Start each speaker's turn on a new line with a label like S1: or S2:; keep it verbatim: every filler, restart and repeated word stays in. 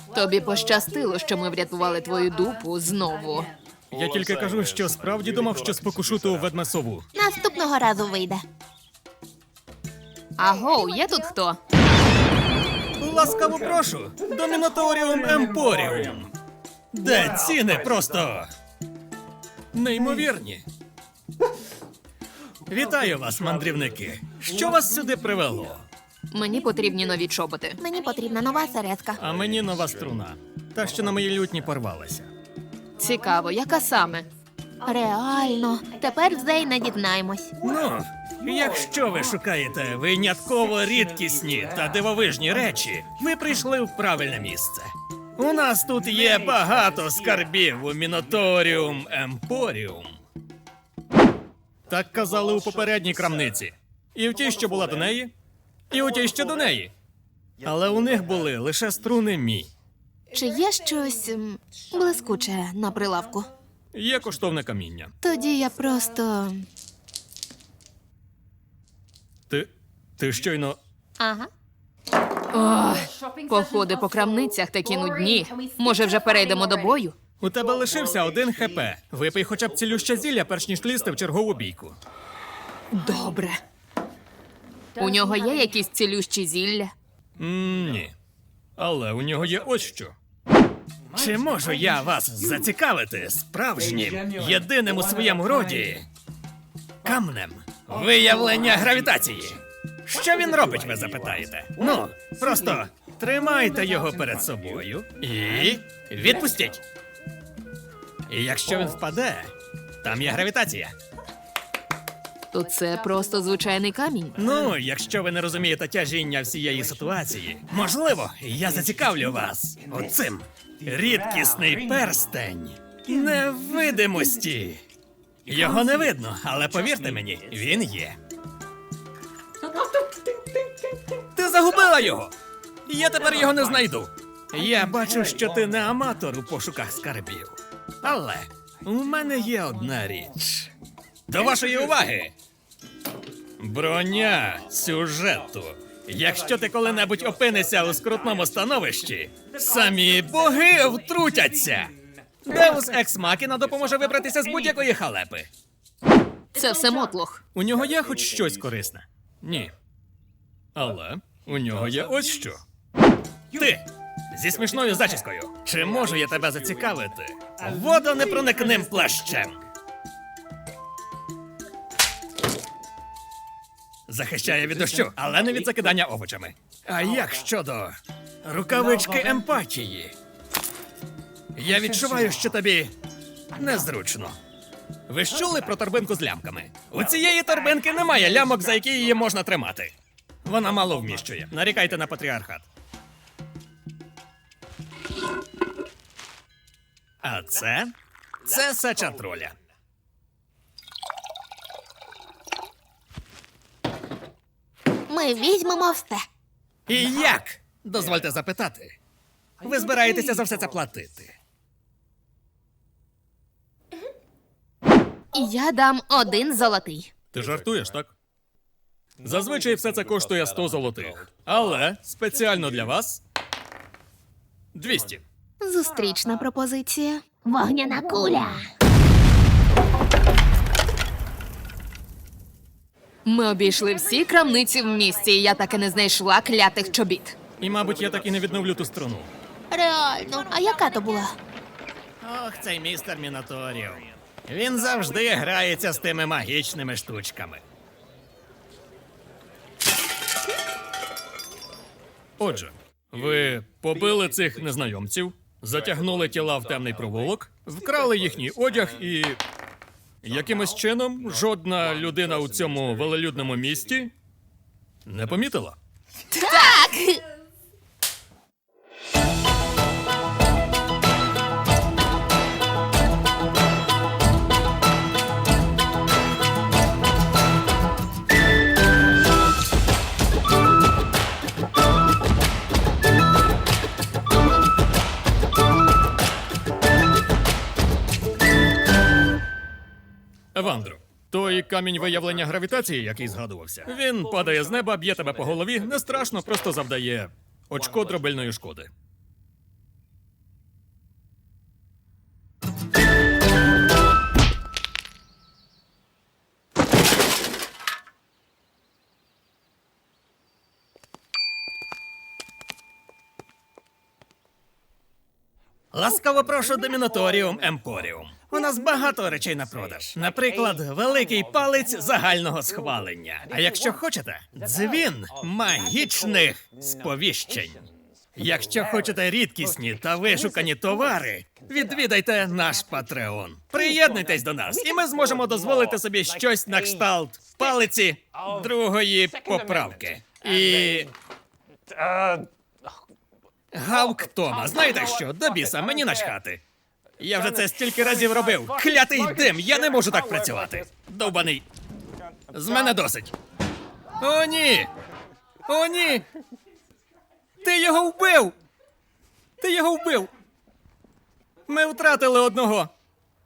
S1: Тобі пощастило, що ми врятували твою дупу знову.
S2: Я тільки кажу, що справді думав, що спокушу ту ведмесову.
S3: Наступного разу вийде.
S1: Агоу, є тут хто?
S2: Ласкаво прошу до Міноторіум Емпоріум, де ціни просто неймовірні. Вітаю вас, мандрівники. Що вас сюди привело?
S1: Мені потрібні нові чоботи.
S3: Мені потрібна нова середка.
S2: А мені нова струна. Та, що на моїй лютні порвалася.
S1: Цікаво, яка саме?
S3: Реально. Тепер вже й не дізнаємось.
S2: Ну, якщо ви шукаєте винятково рідкісні та дивовижні речі, ви прийшли в правильне місце. У нас тут є багато скарбів у Міноторіум Емпоріум. Так казали у попередній крамниці. І в тій, що була до неї, і у тій, що до неї. Але у них були лише струни мі.
S3: Чи є щось м, блискуче на прилавку?
S2: Є коштовне каміння.
S3: Тоді я просто.
S2: Ти. ти щойно.
S3: Ага.
S1: Ох, походи по крамницях такі нудні. Може, вже перейдемо до бою?
S2: У тебе лишився один хп. Випий хоча б цілюще зілля, перш ніж лізти в чергову бійку.
S1: Добре. У нього є якісь цілющі зілля?
S2: М, ні. Але у нього є ось що. Чи можу я вас зацікавити справжнім, єдиним у своєму роді камнем виявлення гравітації? Що він робить, ви запитаєте? Ну, просто тримайте його перед собою і відпустіть. І якщо він впаде, там є гравітація.
S1: То це просто звичайний камінь.
S2: Ну, якщо ви не розумієте тяжіння всієї ситуації, можливо, я зацікавлю вас оцим. Рідкісний перстень невидимості. Його не видно, але повірте мені, він є. Ти загубила його! Я тепер його не знайду. Я бачу, що ти не аматор у пошуках скарбів. Але у мене є одна річ. До вашої уваги! Броня сюжету. Якщо ти коли-небудь опинишся у скрутному становищі, самі боги втрутяться. Деус Екс Макіна допоможе вибратися з будь-якої халепи.
S1: Це все мотлох.
S2: У нього є хоч щось корисне? Ні. Але у нього є ось що. Ти! Зі смішною зачіскою. Чи можу я тебе зацікавити водонепроникним плащем? Захищає від дощу, але не від закидання овочами. А як щодо рукавички емпатії? Я відчуваю, що тобі незручно. Ви ж чули про торбинку з лямками? У цієї торбинки немає лямок, за які її можна тримати. Вона мало вміщує. Нарікайте на патріархат. А це? Це сачатроля.
S3: Ми візьмемо все.
S2: І як? Дозвольте запитати. Ви збираєтеся за все це платити?
S3: Я дам один золотий.
S2: Ти жартуєш, так? Зазвичай все це коштує сто золотих. Але спеціально для вас двісті.
S3: Зустрічна пропозиція. Вогняна куля.
S1: Ми обійшли всі крамниці в місті, і я так і не знайшла клятих чобіт.
S2: І, мабуть, я так і не відновлю ту струну.
S3: Реально. А яка то була?
S2: Ох, цей містер Міноторіум. Він завжди грається з тими магічними штучками. Отже, ви побили цих незнайомців, затягнули тіла в темний провулок, вкрали їхній одяг і... якимось чином жодна людина у цьому велелюдному місті не помітила.
S3: Так!
S2: Евандро, той камінь виявлення гравітації, який згадувався, він падає з неба, б'є тебе по голові, не страшно, просто завдає очко дробельної шкоди. Ласкаво прошу до Міноторіум Емпоріум. У нас багато речей на продаж. Наприклад, великий палець загального схвалення. А якщо хочете, дзвін магічних сповіщень. Якщо хочете рідкісні та вишукані товари, відвідайте наш Патреон. Приєднуйтесь до нас, і ми зможемо дозволити собі щось на кшталт палиці другої поправки. І гавк Тома. Знаєте що? До біса, мені начхати. Я вже це стільки разів робив. Клятий дим, я не можу так працювати. Довбаний. З мене досить. О, ні! О, ні! Ти його вбив! Ти його вбив! Ми втратили одного.